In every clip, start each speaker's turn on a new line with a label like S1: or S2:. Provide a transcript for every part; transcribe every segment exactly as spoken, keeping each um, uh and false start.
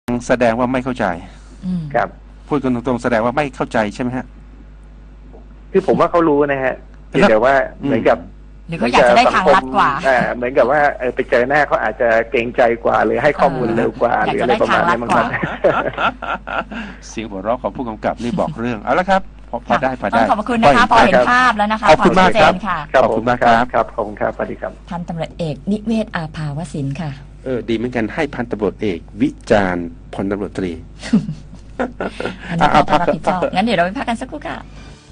S1: แสดงว่าไม่เข้าใจ
S2: ครับ
S1: พูดกันตรงๆแสดงว่าไม่เข้าใจใช่ไหมฮะ
S2: คือผมว่าเขารู้นะฮะแต่ว่าเหมือนกับ
S3: หรือเขาอยากจะได้ทางลัดกว่า
S2: เหมือนกับว่าเออไปเจอหน้าเขาอาจจะเกรงใจกว่าหรือให้ข้อมูลเร็วกว่าหรืออะไรประมาณนี้มั้งครับ
S1: เสียงหัวเราะของผู้กำกับนี่บอกเรื่องเอาละครับพอได้พอได้
S3: ขอบคุณนะคะพอเห็นภาพแล้วนะคะ
S1: ขอบคุณมากครับ
S2: ขอบคุณมากครับครับขอบคุณครับสวัสดีครับ
S3: พันตำรวจเอกนิเวศอาภาวสินค่ะ
S1: เออดีเหมือนกันให้พันตำรวจเอกวิจารณ์พลตำรวจตรี
S3: อันนี้ต้องรับผิดชอบงั้นเดี๋ยวเราไปพักกันสักครู่ค่ะ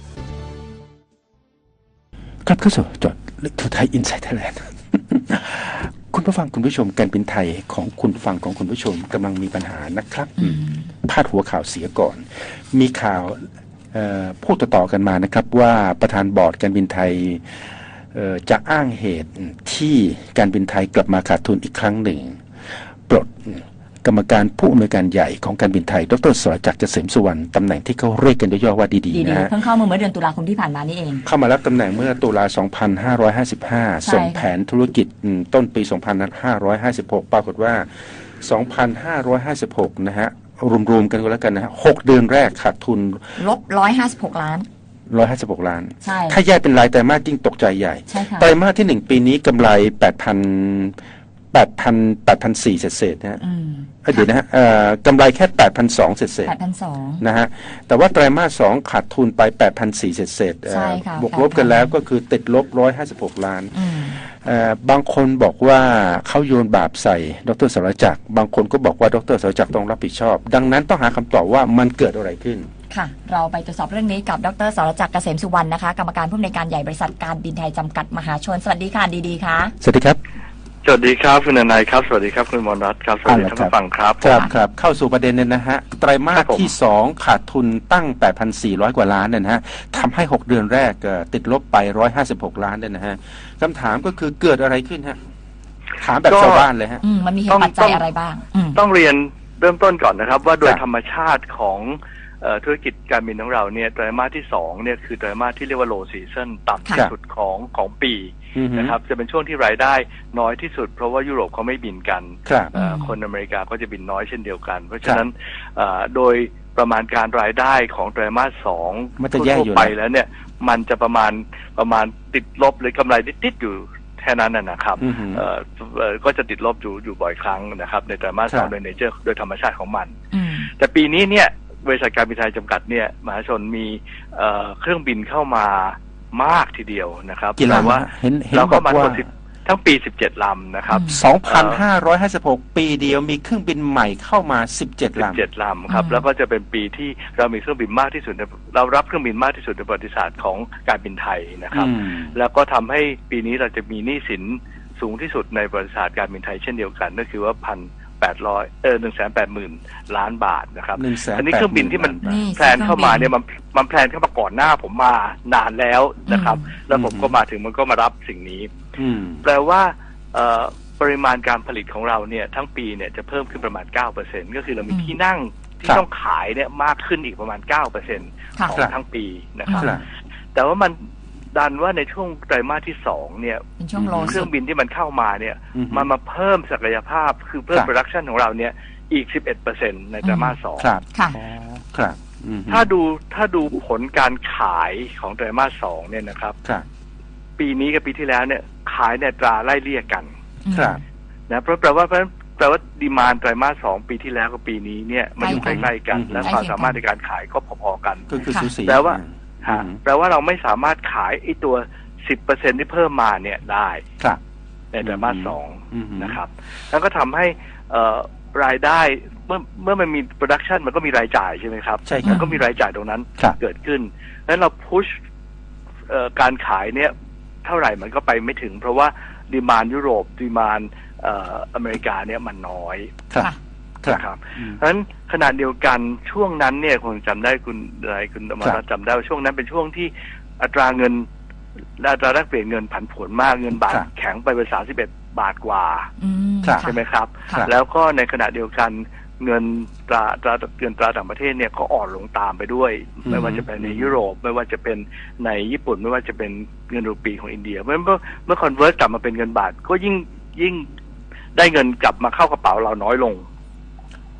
S1: ครับเข้าสู่จอดลึกทั่วไทยอินไซต์ไทยแลนด์คุณผู้ฟังคุณผู้ชมการบินไทยของคุณฟังของคุณผู้ชมกำลังมีปัญหานะครับพาดหัวข่าวเสียก่อนมีข่าวพูดต่อๆกันมานะครับว่าประธานบอร์ดการบินไทยจะอ้างเหตุที่การบินไทยกลับมาขาดทุนอีกครั้งหนึ่งปลดกรรมการผู้อำนวยการใหญ่ของการบินไทยดร.สรจักรเกษมสุวรรณตำแหน่งที่เขาเรียกกันย่อๆว่าดีๆนะฮะ
S3: เพิ่งเข้ามาเมื่อเดือนตุลาคมที่ผ่านมานี่เอง
S1: เข้ามารับตำแหน่งเมื่อตุลาสองพันห้าร้อยห้าสิบห้าส่งแผนธุรกิจต้นปีสองพันห้าร้อยห้าสิบหกปรากฏว่าสองพันห้าร้อยห้าสิบหกนะฮะรวมๆกันก็แล้วกันนะฮะหกเดือนแรกขาดทุน
S3: ลบหนึ่งร้อยห้าสิบหกล้าน
S1: ร้อยห้าสิบหกล้าน
S3: ใช่
S1: ถ้าแยกเป็นรายไตรมาสยิ่งตกใจใหญ่
S3: ใช่ค่ะ
S1: ไตรมาสที่หนึ่งปีนี้กำไรแปดพันแปดพันแปดพันสี่เศษๆนะฮะเดี๋ยวนะฮะกำไรแค่แปดพันสองเศษๆ
S3: แปดพันสอง
S1: นะฮะแต่ว่าไตรมาสสองขาดทุนไปแปดพันสี่เศษๆบวกลบกันแล้วก็คือติดลบร้อยห้าสิบหกล้านบางคนบอกว่าเขาโยนบาปใส่ดร.สรจักรบางคนก็บอกว่าดร.สรจักรต้องรับผิดชอบดังนั้นต้องหาคำตอบว่ามันเกิดอะไรขึ้น
S3: ค่ะเราไปตรวจสอบเรื่องนี้กับดร.สรจักรเกษมสุวรรณนะคะกรรมการผู้อำนวยการใหญ่บริษัทการบินไทยจำกัดมหาชนสวัสดีค่ะดีๆค่ะ
S1: สวัสดีครับ
S4: สวัสดีครับคุณนายครับสวัสดีครับคุณมรรัตน์ครับสวัสดีท่านผู้ฟังครับ
S1: ครับครับเข้าสู่ประเด็นเนี่ยนะฮะไตรมาสที่สองขาดทุนตั้ง แปดพันสี่ร้อย กว่าล้านเนี่ยนะฮะทำให้หกเดือนแรกติดลบไปหนึ่งร้อยห้าสิบหกล้านเนี่ยนะฮะคำถามก็คือเกิดอะไรขึ้นฮะถามแบบชาวบ้านเลยฮะ
S3: มันมีเหตุปัจจัยอะไรบ้าง
S4: ต้องเรียนเริ่มต้นก่อนนะครับว่าโดยธรรมชาติของธุรกิจการบินของเราเนี่ยไตรมาสที่สองเนี่ยคือไตรมาสที่เรียกว่า low season ต่ำที่สุดของของปีนะครับจะเป็นช่วงที่รายได้น้อยที่สุดเพราะว่ายุโรปเขาไม่บินกันคนอเมริกาก็จะบินน้อยเช่นเดียวกันเพราะฉะนั้นโดยประมาณการรายได้ของไตรมาสสองทั่วไปแล้วเนี่ยมันจะประมาณประมาณติดลบหรือกำไรติดๆอยู่แค่นั้นนะครับก็จะติดลบอยู่อยู่บ่อยครั้งนะครับในไตรมาสสองโดยเนเจอร์โดยธรรมชาติของมันแต่ปีนี้เนี่ยบริษัทการบินไทยจำกัดเนี่ยมหาชนมีเครื่องบินเข้ามามากทีเดียวนะครับ
S1: แต่ว่า
S4: เราเข้ามาทั้งปีสิบเจ็ดลำนะครับ
S1: สองพันห้าร้อยห้าสิบหก ปีเดียวมีเครื่องบินใหม่เข้ามาสิบเจ็ดลำ
S4: สิบเจ็ดลำครับแล้วก็จะเป็นปีที่เรามีเครื่องบินมากที่สุดเรารับเครื่องบินมากที่สุดในประวัติศาสตร์ของการบินไทยนะครับแล้วก็ทำให้ปีนี้เราจะมีหนี้สินสูงที่สุดในประวัติศาสตร์การบินไทยเช่นเดียวกันก็คือว่าพันแปดร้อยเออหนึ่งแสนแปดหมื่นล้านบาทนะครับอันนี้เครื่องบินที่มันแพลนเข้ามาเนี่ยมันมันแพลนเข้ามาก่อนหน้าผมมานานแล้วนะครับแล้วผมก็มาถึงมันก็มารับสิ่งนี้แปลว่าปริมาณการผลิตของเราเนี่ยทั้งปีเนี่ยจะเพิ่มขึ้นประมาณ เก้าเปอร์เซ็นต์ ก็คือเรามีที่นั่งที่ต้องขายเนี่ยมากขึ้นอีกประมาณ เก้าเปอร์เซ็นต์ ของทั้งปีนะครับแต่ว่ามันดันว่าในช่วงไตรมาสที่สองเนี่ยเครื่องบินที่มันเข้ามาเนี่ยมันมาเพิ่มศักยภาพคือเพิ่มโปรดักชันของเราเนี่ยอีก สิบเอ็ดเปอร์เซ็นต์ ในไตรมาสสอง
S1: ครับครับ
S4: ถ้าดูถ้าดูผลการขายของไตรมาสสองเนี่ยนะครับปีนี้กับปีที่แล้วเนี่ยขายในตราไล่เลี่ยกันนะเพราะแปลว่าเพราะแปลว่าดีมานด์ไตรมาสสองปีที่แล้วกับปีนี้เนี่ยมันอยู่ใกล้ๆกันและความสามารถในการขายก็พอๆกัน
S1: ก็คือสูสี
S4: แปลว่าแปลว่าเราไม่สามารถขายไอ้ตัว สิบเปอร์เซ็นต์ ที่เพิ่มมาเนี่ยได้ในไตรมาสสองนะครับแล้วก็ทำให้รายได้เมื่อเมื่อมันมีโปรดักชันมันก็มีรายจ่ายใช่ไหมครับ
S1: ใช่
S4: มันก็มีรายจ่ายตรงนั้นเกิดขึ้นแล้วเราพุชการขายเนี่ยเท่าไหร่มันก็ไปไม่ถึงเพราะว่าดีมานด์ยุโรปดีมานด์อเมริกาเนี่ยมันน้อยครับเพราะฉะนั้นขณะเดียวกันช่วงนั้นเนี่ยคงจำได้คุณอะไรคุณอมรรัตน์จำได้ว่าช่วงนั้นเป็นช่วงที่อัตราเงินอัตราแลกเปลี่ยนเงินผันผวนมากเงินบาทแข็งไปเป็นสามสิบเอ็ดบาทกว่าใช่ไหมครับแล้วก็ในขณะเดียวกันเงินตราตราเงินตราต่างประเทศเนี่ยก็อ่อนลงตามไปด้วยไม่ว่าจะเป็นในยุโรปไม่ว่าจะเป็นในญี่ปุ่นไม่ว่าจะเป็นเงินรูปีของอินเดียเมื่อเมื่อคอนเวิร์ตกลับมาเป็นเงินบาทก็ยิ่งยิ่งได้เงินกลับมาเข้ากระเป๋าเราน้อยลง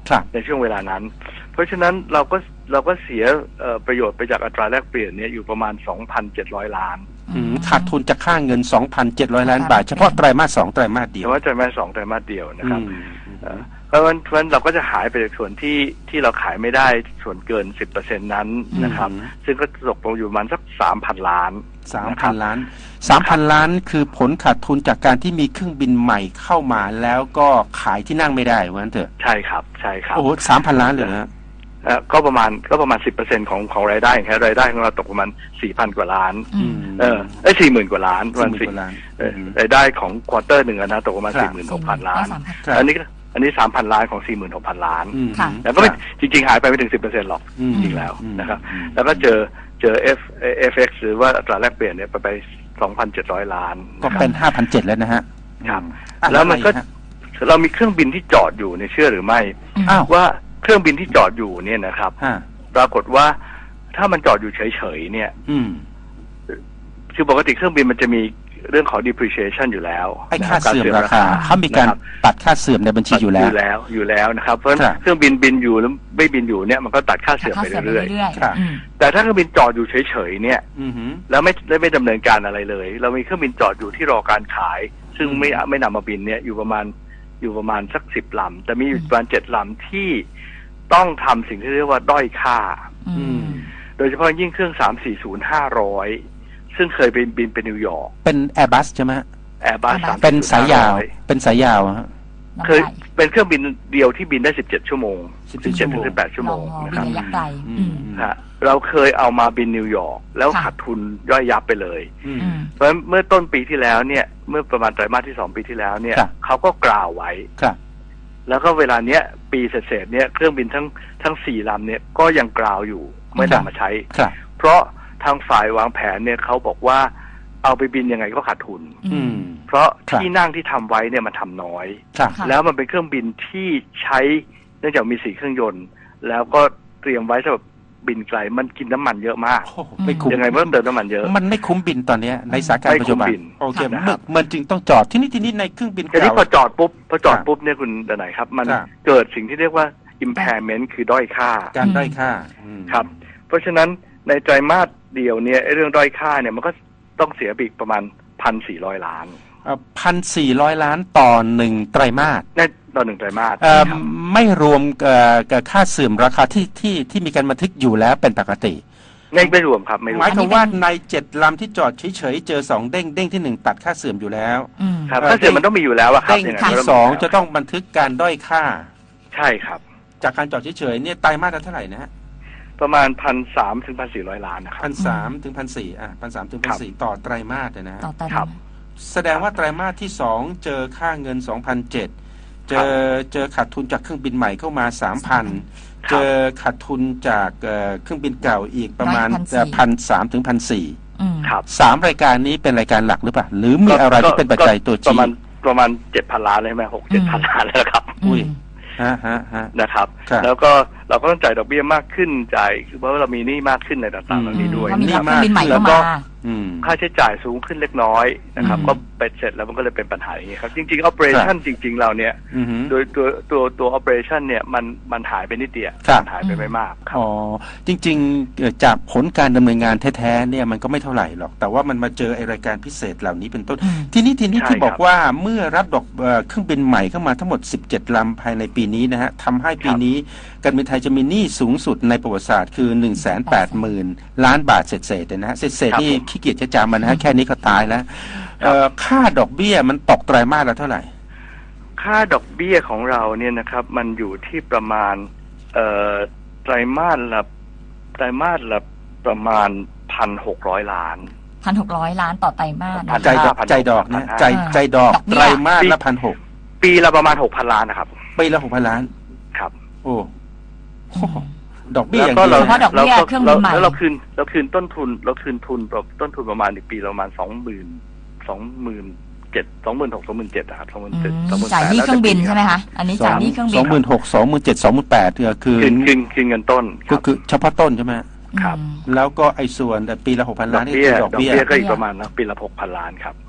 S4: ในช่วงเวลานั้นเพราะฉะนั้นเราก็เราก็เสียประโยชน์ไปจากอัตราแลกเปลี่ยนเนี่ยอยู่ประมาณ สองพันเจ็ดร้อย ล้าน
S1: ขาดทุนจากค่าเงิน สองพันเจ็ดร้อย ล้านบาทเฉพาะไตรมาสสองไตรมาสเดียว
S4: เฉพาะไตรมาสสองไตรมาสเดียวนะครับเพราะฉะนั้นเราก็จะหายไปจากส่วนที่ที่เราขายไม่ได้ส่วนเกิน สิบเปอร์เซ็นต์ นั้นนะครับซึ่งก็ตกลงอยู่ประมาณสัก สามพัน ล้าน
S1: สามพัน ล้าน สามพัน ล้านคือผลขาดทุนจากการที่มีเครื่องบินใหม่เข้ามาแล้วก็ขายที่นั่งไม่ได้ว่างั้นเถอะ
S4: ใช่ครับใช่ครับ
S1: โอ้โห สามพัน ล้านเลยนะ
S4: ก็ประมาณก็ประมาณ สิบเปอร์เซ็นต์ ของของรายได้แค่รายได้ของเราตกประมาณ สี่พัน กว่าล้านเออเอ้ย สี่หมื่น กว่าล้านประมาณสี่รายได้ของควอเตอร์หนึ่งนะตกประมาณ สี่หมื่นหกพัน ล้านอันนี้อันนี้ สามพัน ล้านของ สี่หมื่นหกพัน ล้านแล้วก็ไม่จริงๆหายไปไม่ถึง สิบเปอร์เซ็นต์ หรอกจริงแล้วนะครับแล้วก็เจอเจอ F เอฟ เอ็กซ์ หรือว่าอัตราแลกเปลี่ยนเนี่ยไปไป สองพันเจ็ดร้อย ล้าน
S1: ก็เป็น ห้าพันเจ็ดร้อย แล้วนะฮะ
S4: ครับแล้วมันก็เรามีเครื่องบินที่จอดอยู่ในเชื่อหรือไม่ว่าเครื่องบินที่จอดอยู่เนี่ยนะครับปรากฏว่าถ้ามันจอดอยู่เฉยๆเนี่ยคือปกติเครื่องบินมันจะมีเรื่องของ depreciation อยู่แล้ว
S1: ไอ้ค่าเสื่อมราคาเขามีการตัดค่าเสื่อมในบัญชีอยู่แล้ว
S4: อยู่แล้วอยู่แล้วนะครับเพราะเครื่องบินบินอยู่แล้วไม่บินอยู่เนี่ยมันก็ตัดค่าเสื่อมไปเรื่อยๆแต่ถ้าเครื่องบินจอดอยู่เฉยๆเนี่ยแล้วไม่ไม่ดำเนินการอะไรเลยเรามีเครื่องบินจอดอยู่ที่รอการขายซึ่งไม่ไม่นำมาบินเนี่ยอยู่ประมาณอยู่ประมาณสักสิบลำแต่มีอยู่ประมาณเจ็ดลำที่ต้องทำสิ่งที่เรียกว่าด้อยค่าโดยเฉพาะยิ่งเครื่องสามสี่ศูนย์ ห้าร้อยซึ่งเคยเป็นบินไปนิวยอร์ก
S1: เป็น Airbus ใช่ไหม
S4: Airbus
S1: เป็นสายยาวเป็นสายยาวฮะ
S4: เคยเป็นเครื่องบินเดียวที่บินได้สิบเจ็ดชั่วโมงสิบเจ็ดถึงสิบแปดชั่วโมงนะครับ
S3: ระยะไกล
S4: เราเคยเอามาบินนิวยอร์กแล้วขาดทุนย่อยยับไปเลยเพราะเมื่อต้นปีที่แล้วเนี่ยเมื่อประมาณไตรมาสที่สองปีที่แล้วเนี่ยเขาก็กล่าวไว้แล้วก็เวลาเนี้ยปีเศษๆเนี่ยเครื่องบินทั้งทั้งสี่ลำเนี่ยก็ยังกล่าวอยู่ไม่นำมาใช้เพราะทางฝ่ายวางแผนเนี่ยเขาบอกว่าเอาไปบินยังไงก็ขาดทุนเพราะที่นั่งที่ทำไว้เนี่ยมันทำน้อยแล้วมันเป็นเครื่องบินที่ใช้เนื่องจากมีสี่เครื่องยนต์แล้วก็เตรียมไว้สำหรับบินไกลมันกินน้ำมันเยอะมาก
S1: ไม่คุ้ม
S4: ยังไงมันเติมน้ำมันเยอะ
S1: มันไม่คุ้มบินตอนนี้ในสถานการณ์ปัจจุบันโอเคมันจึงต้องจอดที่นี่ที่นี่ในเครื่องบิน
S4: เก่าทีนี้พอจอดปุ๊บพอจอดปุ๊บเนี่ยคุณดนัยครับมันเกิดสิ่งที่เรียกว่า impairment คือด้อยค่า
S1: การด้อยค่า
S4: ครับเพราะฉะนั้นในไตรมาสเดียวเนี่ยเรื่องด้อยค่าเนี่ยมันก็ต้องเสียไปประมาณ หนึ่งพันสี่ร้อย ล้าน
S1: หนึ่งพันสี่ร้อย ล้านต่อหนึ่งไตรมาส
S4: ในต่อหนึ่งไตรมาส
S1: ไม่รวมกับค่าเสื่อมราคาที่ที่ที่มีการบันทึกอยู่แล้วเป็นปกติ
S4: ไม่ไม่รวมครับไม่รวม
S1: หมายถึงว่าในเจ็ดลำที่จอดเฉยๆเจอสองเด้งเด้งที่หนึ่งตัดค่าเสื่อมอยู่แล้ว
S4: ครับค่าเสื่อมมันต้องมีอยู่แล้วครับ
S1: เด้งที่สองจะต้องบันทึกการด้อยค่า
S4: ใช่ครับ
S1: จากการจอดเฉยๆเนี่ยไตรมาสเท่าไหร่นะฮะ
S4: ประมาณพันสามถึงพันสี่ร้อยล้านนะครับ
S1: พันสามถึงพันสี่อ่ะพันสามถึงพันสี่ต่อไตรมาสนะ
S3: ต่อไตรมาส
S1: แสดงว่าไตรมาสที่สองเจอค่าเงินสองพันเจ็ดเจอเจอขาดทุนจากเครื่องบินใหม่เข้ามาสามพันเจอขาดทุนจากเครื่องบินเก่าอีกประมาณพันสามถึงพันสี่สามรายการนี้เป็นรายการหลักหรือเปล่าหรือมีอะไรที่เป็นปัจจัยตัวชี้
S4: ประมาณประมาณเจ็ดพันล้านเลยไหมหกเจ็ดพันล้านแล้วครับ
S1: อุ้ยฮะฮะฮะ
S4: นะครับแล้วก็เราก็ต้องจ่ายดอกเบี้ยมากขึ้นจ่ายคือเพราะว่าเรามีหนี้มากขึ้นในต่างๆเหล่านี้ด้วย
S3: หนี้มาก
S4: แล้วก็ค่าใช้จ่ายสูงขึ้นเล็กน้อยนะครับก็ไปเสร็จแล้วมันก็เลยเป็นปัญหาอย่างนี้ครับจริงๆ operation จริงๆเราเนี่ยโดยตัวตัวตัว operation เนี่ยมันมันหายไปนิดเดียวมันหายไปไม่มาก
S1: อ๋อจริงๆจากผลการดำเนินงานแท้ๆเนี่ยมันก็ไม่เท่าไหร่หรอกแต่ว่ามันมาเจอไอรายการพิเศษเหล่านี้เป็นต้นทีนี้ทีนี้ที่บอกว่าเมื่อรับดอกเครื่องบินใหม่เข้ามาทั้งหมดสิบเจ็ดลำภายในปีนี้นะฮะทำให้ปีนี้การบินไทยจะมีหนี้สูงสุดในประวัติศาสตร์คือ หนึ่งแสนแปดหมื่น ล้านบาทเศษๆนะฮะเศษๆนี่ขี้เกียจจะจำมันนะฮะแค่นี้ก็ตายแล้วค่าดอกเบี้ยมันตกไตรมาสละเท่าไหร่
S4: ค่าดอกเบี้ยของเราเนี่ยนะครับมันอยู่ที่ประมาณไตรมาสละไตรมาสละประมาณ พันหกร้อย ล้าน
S3: พันหกร้อย ล้านต่อไตรมาส
S1: ใจดอกใจดอกนะใจใจดอกไตรมาสละ หนึ่งพันหกร้อย
S4: ปีละประมาณ หกพัน ล้านนะครับ
S1: ปีละ หกพัน ล้าน
S4: ครับ
S1: โอ้ดอกเบี้ยอย่าง
S3: เดียวเฉพาะดอกเบี้ยเครื่องบินใหม่
S4: แล้วเราคืนเราคืนต้นทุนเราคืนทุนต้นทุนประมาณอีกปีประมาณสองหมื่นสองหมื่นเจ็ดสองหมื่นหกสองหมื่นเจ็ดนะครับสองหมื่นเจ็ดสองหมื่นแปด
S3: จ่ายหนี้เครื่องบินใช่ไหมคะอันนี้จ่ายหนี้เครื่องบิน
S1: สองหมื่นหกสองหมื่นเจ็ดสองหมื่นแปดคือคืน
S4: คืนคืนเงินต้น
S1: ก็คือเฉพาะต้นใช่ไหม
S4: ครับ
S1: แล้วก็ไอ้ส่วนปีละหกพันล้านนี่คือดอกเบี้ย
S4: ดอกเบี้ยก็อีกประมาณนะปีละหกพันล้านครับ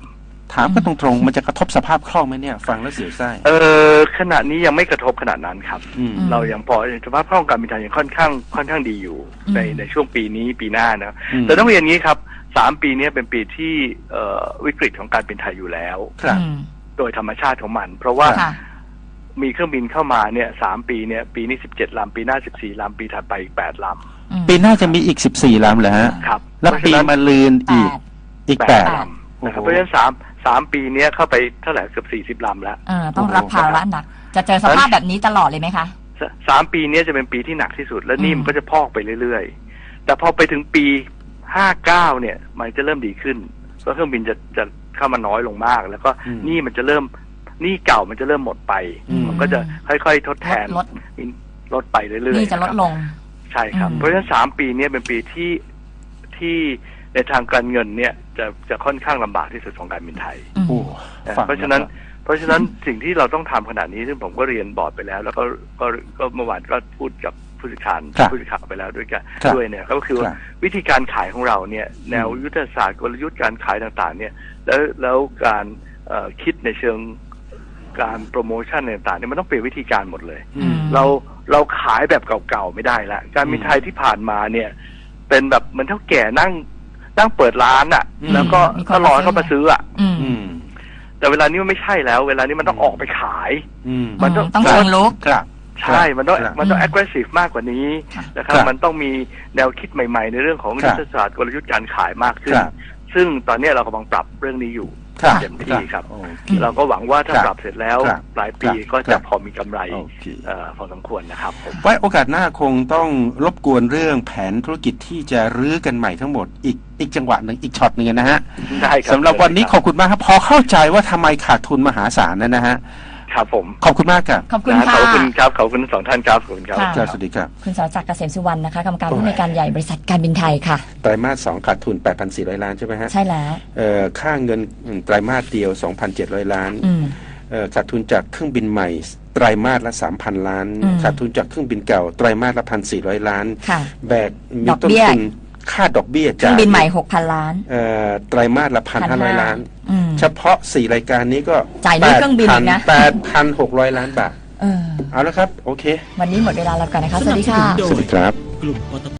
S1: ถามก็ตรงๆมันจะกระทบสภาพคล่องไหมเนี่ยฟังแล้วเสียวไส้
S4: เออขณะนี้ยังไม่กระทบขนาดนั้นครับ
S1: อืม
S4: เรายังพอสภาพคล่องการบินไทยยังค่อนข้างค่อนข้างดีอยู่
S3: อืม
S4: ในในช่วงปีนี้ปีหน้านะ
S1: อืม
S4: แต่ต้องเรียนงี้ครับสามปีนี้เป็นปีที่เอ่อวิกฤตของการบินไทยอยู่แล้ว
S1: ครับ
S3: อืม
S4: โดยธรรมชาติของมัน เพราะว่า
S3: ค่ะ
S4: มีเครื่องบินเข้ามาเนี่ยสามปีเนี่ยปีนี้สิบเจ็ดลำปีหน้าสิบสี่ลำปีถัดไปอีกแปดล
S3: อืม
S1: ปีหน้าจะมีอีกสิบสี่ลำเหรอฮะ
S4: ำครับ
S1: แล้วปีมะลืนอีก
S3: แปด
S1: อีก
S4: แป
S1: แป
S4: ด
S1: ด
S4: ลำนะครับ
S1: โอ้โห
S4: เพราะฉะนั้นสามสามปีเนี้ยเข้าไปเท่าไหร่เกือบสี่สิบลำแล้ว
S3: เออต้องรับภาระหนัก จะเจอสภาพแบบนี้ตลอดเลยไหมคะ
S4: สสามปีเนี้ยจะเป็นปีที่หนักที่สุด แล้วหนี่
S3: อืม
S4: มันก็จะพอกไปเรื่อยๆ แต่พอไปถึงปีห้าเก้าเนี่ย มันจะเริ่มดีขึ้นเพราะเครื่องบินจะจะเข้ามาน้อยลงมาก แล้วก็
S1: อืม
S4: หนี่มันจะเริ่มหนี่เก่ามันจะเริ่มหมดไป
S1: อืม
S4: มันก็จะค่อยๆทดแทน
S3: ลด
S4: ลดไปเรื่อยๆ
S3: นี่จะลดลง
S4: ใช่ครับ
S3: อืม
S4: เพราะฉะนั้นสามปีเนี้ยเป็นปีที่ที่ในทางการเงินเนี่ยจะจะค่อนข้างลำบากที่สุดของการบินไทย
S3: อืม
S1: โอ้
S4: นะ
S1: ฟัง
S4: เพราะฉะนั้น
S1: แล้วก็
S4: เพราะฉะนั้นสิ่งที่เราต้องทำขนาดนี้ซึ่งผมก็เรียนบอร์ดไปแล้ว แล้วก็ก็ก็เมื่อวานก็พูดกับผู้สื่อข่าว
S1: ครับ
S4: ผู้สื่อข่าวไปแล้วด้วยกัน
S1: ครับ
S4: ด้วยเนี่ยก็คือว่า
S1: ครับ
S4: วิธีการขายของเราเนี่ยแนวยุทธศาสตร์กลยุทธ์การขายต่างๆ เนี่ยแล้วแล้วการเอ่อคิดในเชิงการโปรโมชั่นต่างๆเนี่ยมันต้องเปลี่ยนวิธีการหมดเลย
S1: อืม
S4: เราเราขายแบบเก่าๆไม่ได้ละการบินไทยที่ผ่านมาเนี่ย เป็นแบบเหมือนเท่าแก่นั่งนั่งเปิดร้านอะ่ะ
S1: อืม
S4: แล้วก็
S3: มีคน
S4: ก็รอ
S3: มาซื้อ
S4: ให้เขามาซื้ออ่ะ
S3: อืม
S1: อืม
S4: แต่เวลานี้มันไม่ใช่แล้ว เวลานี้มันต้องออกไปขาย
S1: อืม
S4: มันต้อง
S3: ต้องเชิงลุก
S1: ครับ
S4: ใช่มันต้อง
S1: ครับ
S4: มันต้อง
S3: อืม
S4: aggressive มากกว่านี้
S3: ค่ะ
S4: นะครับ
S1: ครับ
S4: มันต้องมีแนวคิดใหม่ๆ ในเรื่องของ
S1: ครั
S4: ยุ
S1: บ
S4: ทธศาสตร์กลยุทธ์การขายมากขึ้น
S1: ครับ
S4: ซึ่งตอนนี้เรากำลังปรับเรื่องนี้อยู่
S1: ครับ
S4: เต็มที่ครับ
S1: โอเค
S4: เราก็หวังว่าถ้า
S1: ครับ
S4: ปรับเสร็จแล้ว
S1: ครับ
S4: ปลายปี
S1: ครับ
S4: ก็
S1: ครั
S4: จะ
S1: บ
S4: พอมีกำไร
S1: โอเค
S4: เอ่อพอสมควรนะครับผม
S1: ไว้โอกาสหน้าคงต้องรบกวนเรื่องแผนธุรกิจที่จะรื้อกันใหม่ทั้งหมดอีกอีกจังหวะหนึ่งอีกช็อตหนึ่งนะฮะ
S4: ได้ครับ
S1: สำหรับวันนี้ขอบคุณมากครับพอเข้าใจว่าทำไมขาดทุนมหาศาลนั่นนะฮะ
S4: ครับผม
S1: ขอบคุณมากครับ
S3: ขอบคุณ
S4: นะ
S3: ค่ะ
S4: ขอบคุณครับขอบคุณทั้งสองท่านครับขอบคุณครับ
S3: ค่ะ
S1: ครับสวัสดีครับ
S3: คุณสรจักรเกษมสุวรรณนะคะกรรมการ
S1: โอ้ย
S3: ผู้ในวยการใหญ่บริษัทการบินไทยค่ะ
S1: ไตรมาสสองขาดทุน แปดพันสี่ร้อย ล้านใช่ไหมฮะ
S3: ใช่แล้ว
S1: เอ่อค่าเงินไตรมาสเดียว สองพันเจ็ดร้อย ล้าน
S3: อืม
S1: เอ่อขาดทุนจากเครื่องบินใหม่ไตรมาสละ สามพัน ล้าน
S3: อืม
S1: ขาดทุนจากเครื่องบินเก่าไตรมาสละ หนึ่งพันสี่ร้อย ล้าน
S3: ค่ะ
S1: แบกมี
S3: ดอก
S1: ต้น
S3: เบี้ย
S1: ทุนค่าดอกเบี้ย
S3: เครื่
S1: จา
S3: อก งบินใหม่หกพันล้าน
S1: เอ่อไตรมาสละ หนึ่งพันห้าร้อย ล้าน
S3: อืม
S1: เฉพาะสี่รายการนี้ก็
S3: จ่ายหนี้เครื่องบินอีกนะ
S1: แปดพันหกร้อย ล้านบาท
S3: เออ
S1: เอาละครับ โอเค
S3: วันนี้หมดเวลาแล้วกันนะคะ สวัสดีค่ะ
S1: สวัสดีครับ
S5: กลุ่มปต